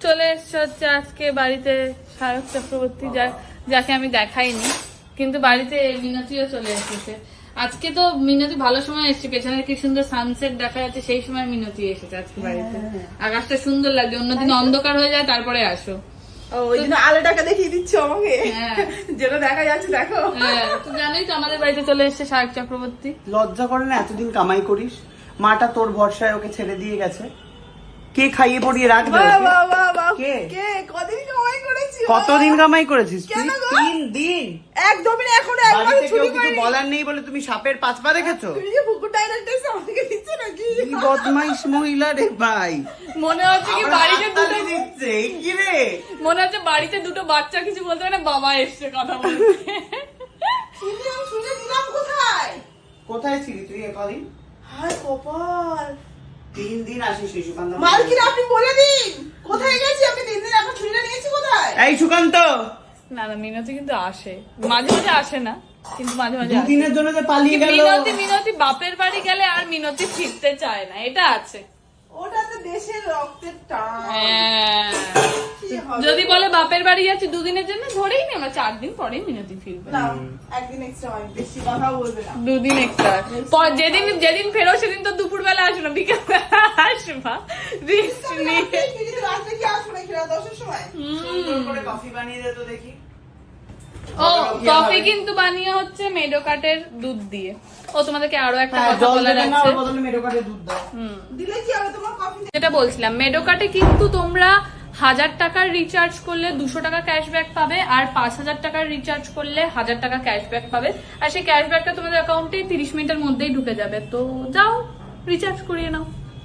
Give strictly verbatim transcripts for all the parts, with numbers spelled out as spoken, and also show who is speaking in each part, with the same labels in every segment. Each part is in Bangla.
Speaker 1: চলে এসছে হচ্ছে আজকে বাড়িতে শারক চক্রবর্তী, যা যাকে আমি দেখাইনি, কিন্তু বাড়িতে মিনতিও চলে এসেছে আজকে। তো মিনতি ভালো সময় এসছে, পেছনে কি সুন্দর সানসেট দেখা যাচ্ছে, সেই সময় মিনতি এসেছে আজকে বাড়িতে। আকাশটা সুন্দর লাগছে, অন্যদিন অন্ধকার হয়ে যায় তারপরে আসো।
Speaker 2: ওই জন্য আলোটাকে দেখিয়ে দিচ্ছ আমাকে, যেটা দেখা যাচ্ছে দেখো।
Speaker 1: হ্যাঁ, তো জানোই তো আমাদের বাড়িতে চলে এসছে শারক চক্রবর্তী।
Speaker 3: লজ্জা করে না? এতদিন কামাই করিস, মাটা তোর ভরসায় ওকে ছেড়ে দিয়ে গেছে, কে খাইয়ে পড়িয়ে রাখবে? কে
Speaker 2: কে কদিন কামাই করেছি?
Speaker 3: কতদিন কামাই করেছিস তুই? তিন দিন
Speaker 2: একদমই না, এখনো একবার
Speaker 3: বাড়িতে
Speaker 2: চুরি
Speaker 3: কেউ কিছু
Speaker 2: করিনি।
Speaker 3: বলার নেই বলে তুমি সাপের পাঁচ পা দেখেছো?
Speaker 2: তুমি যে পুকুর ডাইরেক্টর আমাকে দিচ্ছ নাকি?
Speaker 3: কি বদমাইশ মহিলা রে ভাই,
Speaker 1: মনে হচ্ছে কি বাড়িতে দুটো
Speaker 3: হাততালি দিচ্ছে, এই কি রে?
Speaker 1: মনে হচ্ছে বাড়িতে দুটো বাচ্চা কিছু বলতে পারে না, বাবা এসছে কথা বলতে।
Speaker 2: শুনে আমি শুনে দিলাম কোথায়?
Speaker 3: কোথায় ছিলি তুই একদিন?
Speaker 2: হায় কপাল,
Speaker 3: তিন দিন আসিস নি সুকান্ত।
Speaker 2: মালকিন আপনি বলে দিন কোথায় গেছি আমি? তিন দিন আপনার ছুরিটা নিয়েছি কোথায়?
Speaker 3: এই সুকান্ত,
Speaker 1: না না, মিনতি কিন্তু আসে, মাঝে মাঝে আসে না, কিন্তু মাঝে মাঝে আসে।
Speaker 3: দুদিনের জন্য যে পালিয়ে গেল।
Speaker 1: মিনতি মিনতি বাপের বাড়ি গেলে আর মিনতি ফিরতে চায় না, এটা আছে।
Speaker 2: ওটা তো দেশের রক্তের টান।
Speaker 1: হ্যাঁ,
Speaker 2: কি হবে?
Speaker 1: যদি বলে বাপের বাড়ি যাচ্ছি দুদিনের জন্য, ধরেই নি আমরা চার দিন পরেই মিনতি ফিরবে।
Speaker 2: না, একদিন এক্সট্রা হয়, বেশি কথা বলবে না।
Speaker 1: দুদিন এক্সট্রা, যেদিন যেদিন ফেরো সেদিন তো দুপুর বেলা আসো না, বিকেল বেলা আসবা। রিস্ক নিয়ে
Speaker 2: ফিরিতে রাত্রে কি আসবো নাকি রাত দশের সময়?
Speaker 3: সুন্দর করে কফি বানিয়ে দে তো দেখি।
Speaker 1: ও কফি কিন্তু বানিয়ে হচ্ছে মেডোকাটের দুধ দিয়ে। ও তোমাদেরকে আরো একটা
Speaker 3: হ্যাঁ,
Speaker 1: কথা
Speaker 3: জল
Speaker 1: বলার
Speaker 3: দেবে না,
Speaker 1: আছে।
Speaker 3: ওর বদলে মেডোকাটে দুধ দাও।
Speaker 1: হুম,
Speaker 2: দিলে কি হবে তোমার কফি?
Speaker 1: যেটা বলছিলাম, মেডোকাটে কিন্তু তোমরা হাজার টাকার রিচার্জ করলে দুশো টাকা ক্যাশব্যাক পাবে, আর পাঁচ হাজার টাকার রিচার্জ করলে হাজার টাকা ক্যাশব্যাক পাবে। আর সেই ক্যাশব্যাকটা তোমাদের অ্যাকাউন্টে তিরিশ মিনিটের মধ্যেই ঢুকে যাবে। তো যাও রিচার্জ করিয়ে নাও।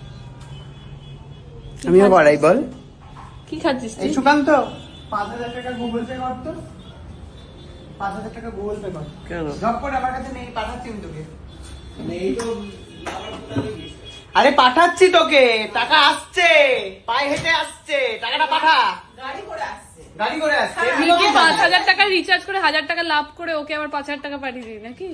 Speaker 3: আমিও বাড়াই বল।
Speaker 1: কি খাচ্ছিস
Speaker 3: এই
Speaker 1: তুই?
Speaker 3: সুকান্ত, পাঁচ হাজার টাকা গুগল পে কর তো। পাঁচ হাজার টাকা গুগল পে কর।
Speaker 4: কেন?
Speaker 3: ঝপ করে, আমার কাছে নেই, পাঠাচ্ছি আমি তোকে। নেই তো আরে পাঠাচ্ছি তোকে, টাকা আসছে, পায়ে হেঁটে আসছে, টাকাটা পাঠা।
Speaker 2: গাড়ি করে আসছে।
Speaker 3: গাড়ি করে আসছে।
Speaker 1: তুই কি পাঁচ হাজার টাকা রিচার্জ করে হাজার টাকা লাভ করে ওকে আবার পাঁচ হাজার টাকা পাঠিয়ে দিই নাকি?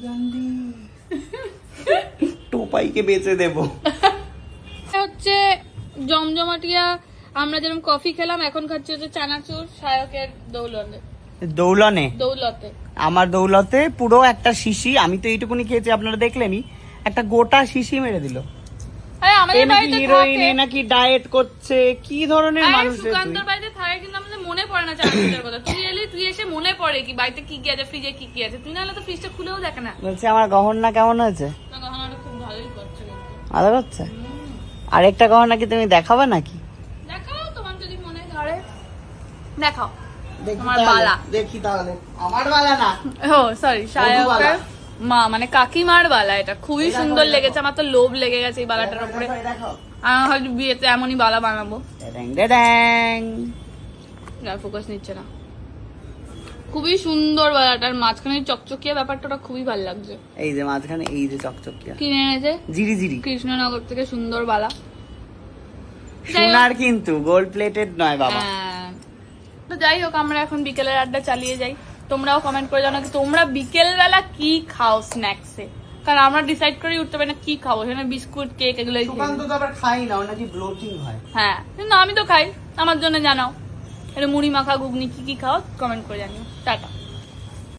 Speaker 3: টোপাইকে বেচে দেবো।
Speaker 1: হচ্ছে জমজমাটিয়া, আমরা যেরকম কফি খেলাম, এখন খাচ্ছি হচ্ছে চানাচুর শায়কের দৌলতে।
Speaker 3: দৌলনে
Speaker 1: দৌলতে
Speaker 3: আমার দৌলতে পুরো একটা শিশি, আমি তো এইটুকুনি খেয়েছি, আপনারা দেখলেনই, একটা গোটা শিশি মেরে দিল।
Speaker 1: আরে আমাদের বাড়িতে
Speaker 3: হিরোইন
Speaker 1: থাকে,
Speaker 3: নাকি ডায়েট করছে, কি ধরনের
Speaker 1: আরে
Speaker 3: মানুষ রে তুই?
Speaker 1: সুকান্তর বাড়িতে থাকে, কিন্তু আমাদের মনে পড়ে না চানাচুরের কথা। তুই এলি, তুই এসে মনে পড়ে কি বাড়িতে কি কি আছে, ফ্রিজে কি কি আছে। তুই নাহলে তো ফ্রিজটা খুলেও দেখে না।
Speaker 3: বলছি আমার গহনা কেমন হয়েছে?
Speaker 1: না, গহনাটা খুব ভালোই করছে কিন্তু।
Speaker 3: ভালো করছে? আরেকটা গহনা কি তুমি দেখাবে নাকি?
Speaker 1: দেখাও তোমার যদি মনে ধরে, দেখাও।
Speaker 3: দেখি
Speaker 1: আমার
Speaker 3: তাহলে,
Speaker 1: বালা।
Speaker 3: দেখি তাহলে। আমার বালা না,
Speaker 1: ও সরি, শায়কের
Speaker 3: বালা।
Speaker 1: মা মানে কাকিমার বালা। এটা খুবই
Speaker 3: এই দেখো,
Speaker 1: সুন্দর
Speaker 3: এই দেখো।
Speaker 1: লেগেছে, আমার তো লোভ লেগে গেছে এই বালাটার উপরে।
Speaker 3: দেখো, দেখো।
Speaker 1: আমি হয়তো বিয়েতে এমনই বালা বানাবো।
Speaker 3: ড্যাং ড্যাং।
Speaker 1: না, ফোকাস নিচ্ছে না। খুবই সুন্দর বালাটার মাঝখানে চকচকিয়া ব্যাপারটা, ওটা খুবই ভালো লাগছে।
Speaker 3: এই যে মাঝখানে এই যে চকচকিয়া
Speaker 1: কিনে এনেছে
Speaker 3: জিরি জিরি
Speaker 1: কৃষ্ণনগর থেকে সুন্দর বালা।
Speaker 3: সোনার কিন্তু, গোল্ড প্লেটেড নয় বাবা।
Speaker 1: হ্যাঁ। তো যাই হোক, আমরা এখন বিকেলের আড্ডা চালিয়ে যাই। তোমরাও কমেন্ট করে জানাও কি তোমরা বিকেল বেলা কি খাও স্ন্যাক্সে, কারণ আমরা ডিসাইড করে উঠতে পারি না কি খাবো। সেখানে বিস্কুট, কেক এগুলোই খাই।
Speaker 3: সুকান্ত তো আবার খাই না, ওর নাকি ব্লোটিং হয়।
Speaker 1: হ্যাঁ, কিন্তু আমি তো খাই, আমার জন্য জানাও। এটা মুড়ি মাখা, ঘুগনি কি কি খাও কমেন্ট করে জানিও। টাটা।